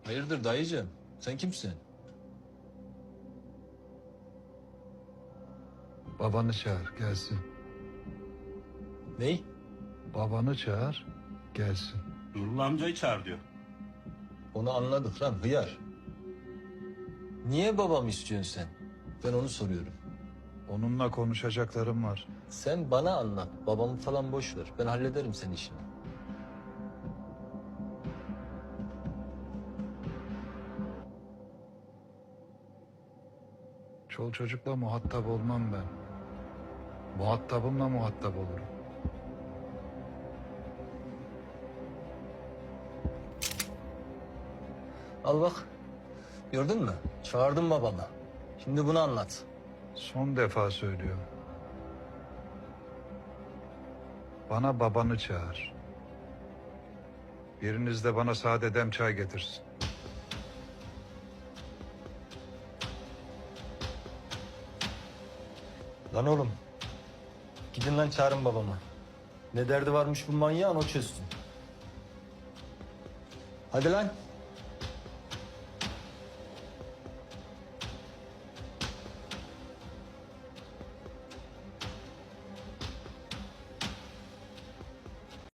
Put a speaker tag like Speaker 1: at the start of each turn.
Speaker 1: Hayırdır dayıcığım? Sen kimsin?
Speaker 2: Babanı çağır gelsin.
Speaker 1: Ney?
Speaker 2: Babanı çağır gelsin.
Speaker 3: Nurullah amcayı çağır diyor.
Speaker 1: Onu anladık lan hıyar. Niye babam istiyorsun sen? Ben onu soruyorum.
Speaker 2: Onunla konuşacaklarım var.
Speaker 1: Sen bana anlat. Babamı falan boş ver. Ben hallederim senin işini.
Speaker 2: Çol çocukla muhatap olmam ben. Muhatabımla muhatap olurum.
Speaker 1: Al bak. Gördün mü? Çağırdım babamı. Şimdi bunu anlat.
Speaker 2: Son defa söylüyorum. Bana babanı çağır. Biriniz de bana sade dem çay getirsin.
Speaker 1: Lan oğlum. Gidin lan çağırın babamı. Ne derdi varmış bu manyağın o çözsün. Hadi lan.